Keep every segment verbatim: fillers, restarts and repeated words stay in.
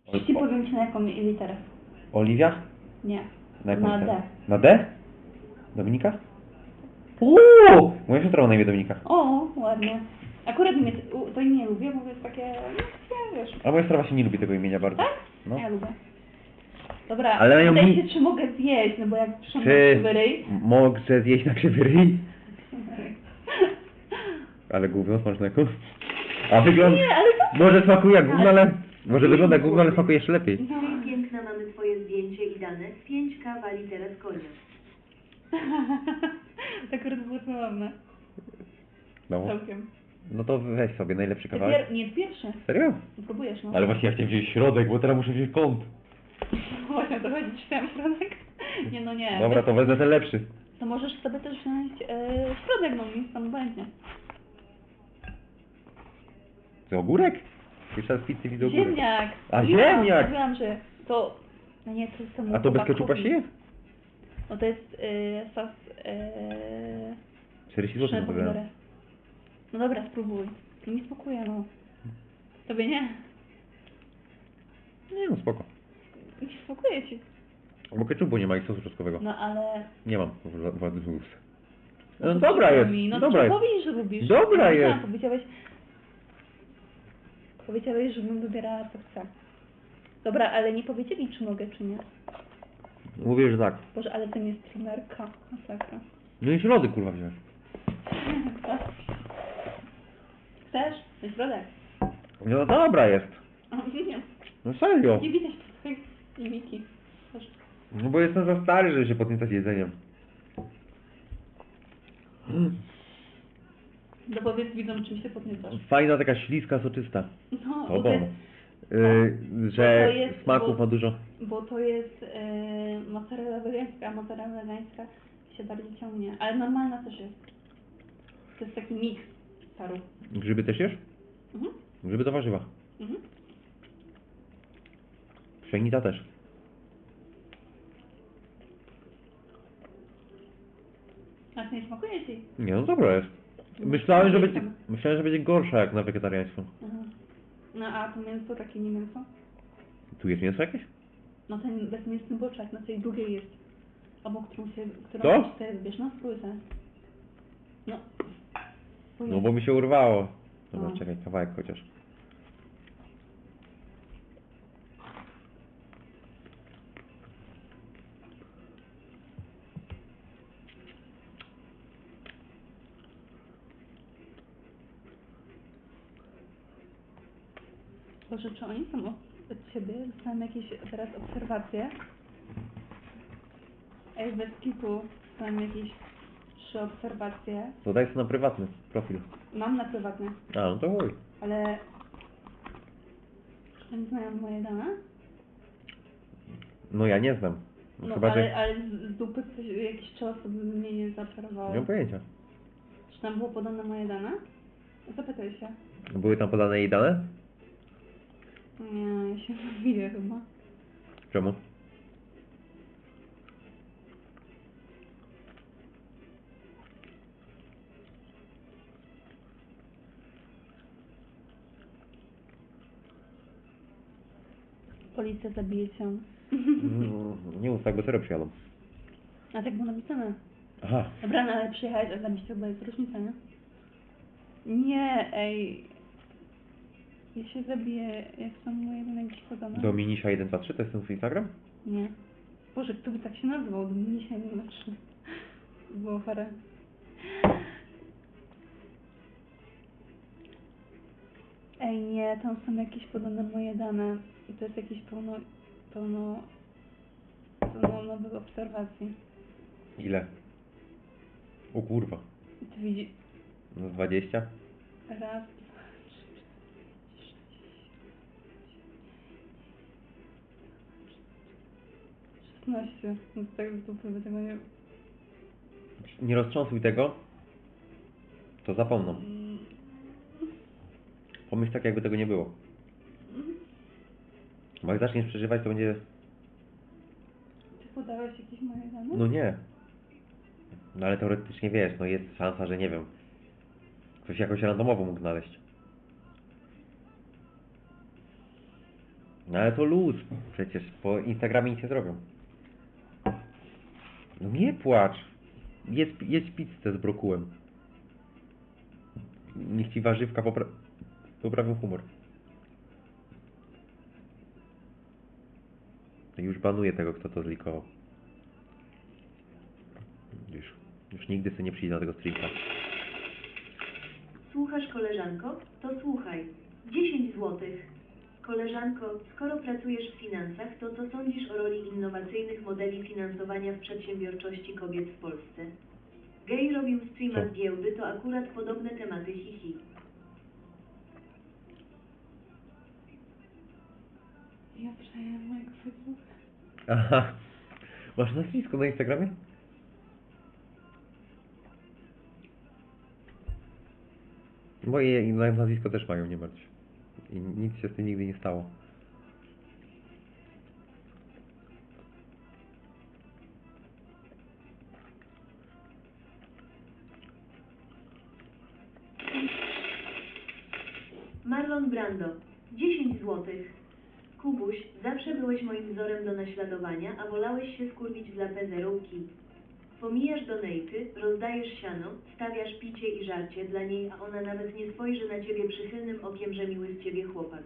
Ci powiem ci na jaką literę. Oliwia? Nie. Na jaką Na literę? D. Na D? Dominika? Uuu! Moja siostra ma na imię Dominika. O, ładnie. Akurat mnie, u- to imię lubię, bo jest takie, no, wiesz. A moja siostra właśnie nie lubi tego imienia bardzo. Tak? No. Ja lubię. Dobra, Ale mają pytaj mi- się, czy mogę zjeść, no bo jak przyszłam na Czy krzywy ryj... mogę zjeść na krzywy ryj? Ale gówno smacznego. A wygląda... Nie, ale to- Może smakuje jak gówno, ale... Może Nie wygląda jak było. gówno, ale smakuje jeszcze lepiej. No. Hej, piękna, mamy twoje zdjęcie i dane. pięć kawa litera z konia. To akurat było zabawne. No. Całkiem. No to weź sobie najlepszy Ty kawałek. pier... Nie, pierwszy. Serio? Próbujesz, no. Ale właśnie ja chciałem wziąć środek, bo teraz muszę wziąć kąt. Właśnie o to chodzi, czy tam środek? Nie, no nie. Dobra, to wezmę ten lepszy. To możesz sobie też wziąć e, środek, no nic tam obojętnie. To ogórek? Jeszcze raz w pizzy widzę ogórek. Ziemniak! A, Mówiłam- ziemniak! Mówiłam, że to... No nie, to jest temu A to bez chłopakowi. keczupa się je? No to jest e, sos... E, czterdzieści złotych pszenne na to pomidory. No dobra, spróbuj. No mi smakuje, no. Tobie nie? Nie no, spoko. Mi smakuje ci. Bo keczupu nie ma i sosu czosnkowego. No ale... Nie mam wady z ust. No dobra jest, Mi. No dobra to jest. powiedz, że lubisz. Dobra No, jest. tak, Powiedziałeś... Powiedziałeś, żebym wybierała co chcę. Dobra, ale nie powiedzieli, czy mogę, czy nie. Mówię, że tak. Boże, ale to nie jest streamerka. Masakra. No i środek kurwa wziąć. Chcesz? To jest środek. No dobra jest. Nie, No serio. nie widać tutaj mimiki. Proszę. No bo jestem za stary, żeby się podniecać jedzeniem. No powiedz widzom, czym się podniecasz. Fajna taka śliska, soczysta. No, To bo to jest, Yy, że Bo to jest- smaków bo- ma dużo. bo to jest yy, mozzarella wegańska, a mozzarella wegańska się bardziej ciągnie. Ale normalna też jest. To jest taki miks paru. Grzyby też jesz? Mhm. Grzyby to warzywa. Mhm. Pszenica też. A to nie smakuje ci? Nie no dobra jest. Myślałem, że będzie, myślałem, że będzie gorsza jak na wegetariańską. Mhm. No a to mięso takie nie mięso? Tu jest mięso jakieś? No ten bezmięsny boczek na tej drugiej jest. Obok którą się, którą Co? się tutaj wybierz. No spróbuj sobie. No. No bo mi się urwało. Dobra, No. czekaj, kawałek chociaż. Boże, czy oni są od ciebie? Dostałem jakieś teraz obserwacje. Ej, bez kitu. Dostałem jakieś trzy obserwacje. To daj sobie na prywatny profil. Mam na prywatne, A, no to chuj. ale... Czy oni znają moje dane? No ja nie znam. No, Chyba, ale, że... ale z, z dupy coś, jakieś trzy osoby mnie nie Nie zaobserwowały. mam pojęcia. Czy tam było podane moje dane? Zapytaj się. Były tam podane jej dane? Nie, ja się mówię chyba. Czemu? Policja zabije cię. Mm, nie mów tak, bo serio przyjadą. A tak było napisane. Aha. Dobra, no ale przyjechałeś, a zabić to chyba jest różnica, nie? Nie, ej. Ja się zabiję, jak są moje dane jakieś podane. Dominisia jeden dwa trzy, to jest ten twój Instagram? Nie. Boże, kto by tak się nazwał? Dominisia jeden dwa trzy. Było parę. Ej, nie, tam są jakieś podane moje dane. I to jest jakieś pełno, pełno, pełno nowych obserwacji. Ile? O kurwa. I ty widzisz, No dwadzieścia? raz, dwa, trzy, cztery, sześć, szesnaście. No to tak z dupy by tego nie... Nie roztrząsuj tego, to zapomną. Mm, Pomyśl tak, jakby tego nie było. Bo jak zaczniesz przeżywać, to będzie... Ty podałeś jakieś moje dane? No nie. No ale teoretycznie wiesz, no jest szansa, że nie wiem. Ktoś jakoś randomowo mógł znaleźć. No ale to luz. Przecież po Instagramie nic nie zrobią. No nie płacz. Jedz, jedz pizzę z brokułem. Niech ci warzywka popra poprawią humor. Już banuję tego, kto to zlikował. Już, już nigdy sobie nie przyjdzie na tego streamka. Słuchasz, koleżanko? To słuchaj. dziesięć złotych. Koleżanko, skoro pracujesz w finansach, to co sądzisz o roli innowacyjnych modeli finansowania w przedsiębiorczości kobiet w Polsce? Gej robił streama Co? z giełdy, to akurat podobne tematy, hihi. Ja przeję mojego Facebooka. Aha. Masz nazwisko na Instagramie? Moje nazwisko też mają, nie martw się. I nic się z tym nigdy nie stało. Marlon Brando. dziesięć złotych. Kubuś, zawsze byłeś moim wzorem do naśladowania, a wolałeś się skurwić dla pezerówki. Pomijasz donejty, rozdajesz siano, stawiasz picie i żarcie dla niej, a ona nawet nie spojrzy na ciebie przychylnym okiem, że miły z ciebie chłopak.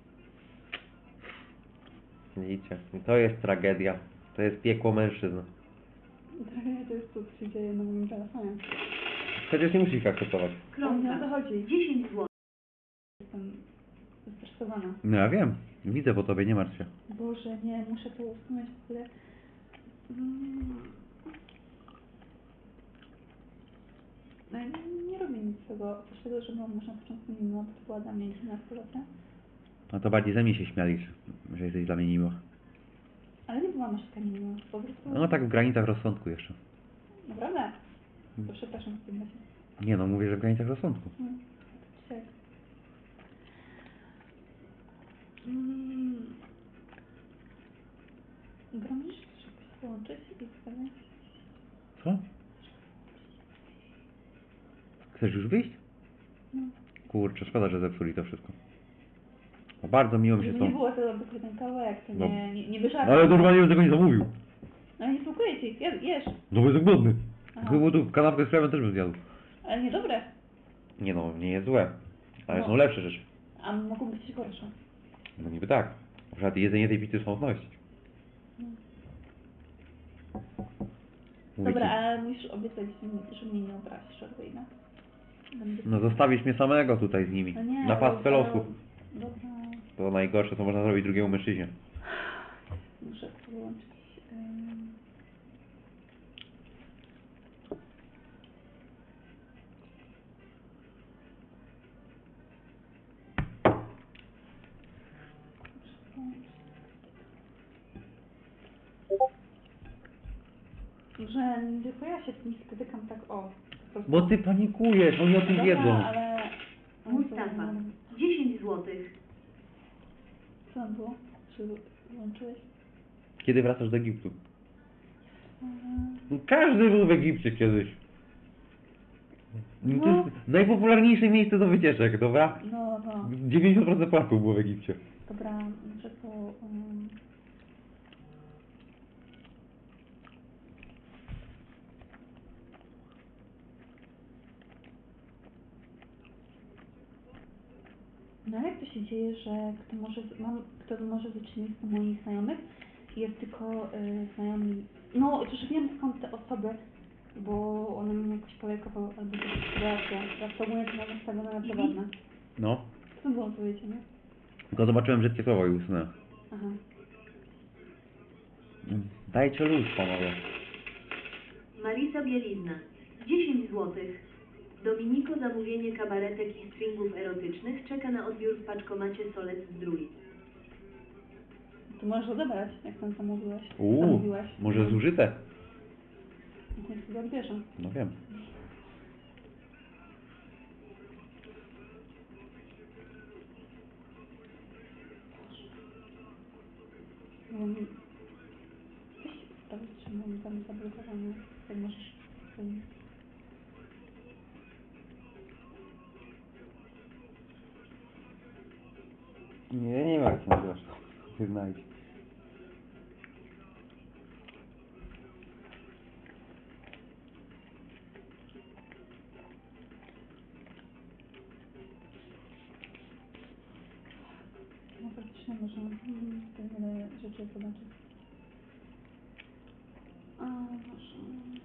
Widzicie, to jest tragedia. To jest piekło mężczyzn. Tragedia to jest to, co się dzieje na moim telefonie. Chociaż nie musisz ich akceptować. Kromka. Ale nie o to chodzi. dziesięć złotych. Jestem zestresowana. No ja wiem. Widzę po tobie, nie martw się. Boże, nie, muszę to usunąć w ogóle. Mm. No, nie, nie robię nic z tego, oprócz tego, że byłam już na początku mimo, to była dla mnie dwunastoletnia. No to bardziej ze mnie się śmialisz, że jesteś dla mnie miło. Ale nie byłam aż taka miła, po prostu... No tak w granicach rozsądku jeszcze. Naprawdę? To przepraszam w tym razie. Nie no, mówię, że w granicach rozsądku. No, to dzisiaj. Mm. Gromisz, żeby się połączyć i wtedy... Co? Chcesz już wyjść? No. Kurczę, szkoda, że zepsuli to wszystko. No bardzo miło mi się Żeby z tą... nie było to dobry ten kawałek, to No. nie, nie, nie wyżarłem. No ale normalnie bym tego nie zamówił. No nie smakuje ci, jesz, jesz. No bo jestem głodny. Aha. Gdyby tu kanapkę z chlebem też bym zjadł. Ale niedobre. Nie no, nie jest złe. Ale No. są lepsze rzeczy. A mogą być gorsze. No niby tak. Na przykład jedzenie tej pizzy słowności. No. Mówię Dobra, ci. ale musisz obiecać, że że mnie nie obrazisz, albo jednak. Będę... No zostawisz mnie samego tutaj z nimi. No nie, Na pastwę ale- losu. Dobra, To najgorsze, co można zrobić drugiemu mężczyźnie. muszę to wyłączyć. Ym... Muszę wyłączyć. Że nie tylko ja się z tym spotykam tak o. po prostu. Bo ty panikujesz, oni o tym Dobra, wiedzą. ale... Mustafa. dziesięć złotych. Co tam było? Czy wyłączyłeś? Kiedy wracasz do Egiptu? Mhm. No, każdy był w Egipcie kiedyś. No. To No. jest najpopularniejsze miejsce do wycieczek, dobra? No, no. dziewięćdziesiąt procent Polaków było w Egipcie. Dobra, muszę to... Um... No jak to się dzieje, że kto może, mam, kto może wyczynić z moich znajomych jest tylko y, znajomi... No, już wiem skąd te osoby, bo one mnie jakoś polajkowały albo coś sytuacja. Ja w ogóle to mam nastawione na prywatne. No. Co było powiedziane? Tylko zobaczyłem brzydkie słowo i usunąłem. Aha. Dajcie luz, panowie. Marisa Bielizna. dziesięć złotych. Dominiko, zamówienie kabaretek i stringów erotycznych czeka na odbiór w paczkomacie Solec Zdrój. To możesz odebrać, jak tam zamówiłeś. Uuu, Zamówiłaś. może zużyte? Niech sobie odbierze. No wiem. Um, weź sprawdzić, czy mam tam zablokowane. Jak możesz... Um, Nie, nie ma jak się nazywasz. się znajdź. No praktycznie można mm, tutaj wiele rzeczy zobaczyć. A, może...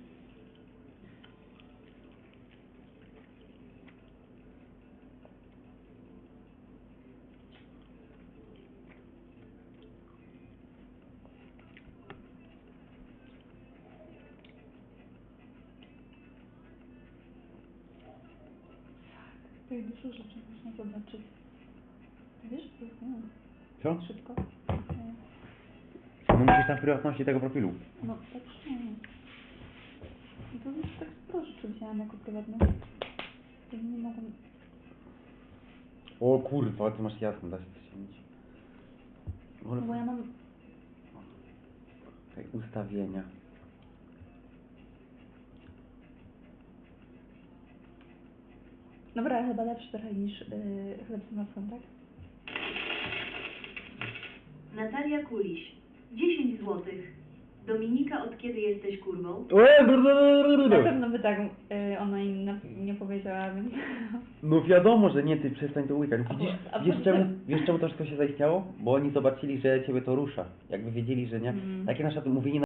Tutaj dużo rzeczy można zobaczyć. Ty wiesz, co jest? Nie. Co? Szybko. No musisz tam w prywatności tego profilu. No, tak nie. I to już tak sporo rzeczy wzięłam jako prywatne. To nie mogą... O kurwa, ty masz jasno, da się to ściągnąć. No bo ja mam... Tutaj ustawienia. Dobra, chyba lepszy trochę niż yy, chleb z masłem, tak? Natalia Kuliś, dziesięć złotych. Dominika, od kiedy jesteś kurwą? Na pewno by tak yy, ona im na, nie powiedziała, więc... No wiadomo, że nie, ty przestań to łykać. A bo- Widzisz, a wiesz bo- czemu, wiesz czemu to wszystko się zaistniało? Bo oni zobaczyli, że ciebie to rusza. Jakby wiedzieli, że nie. Mm. Takie nasze mówienie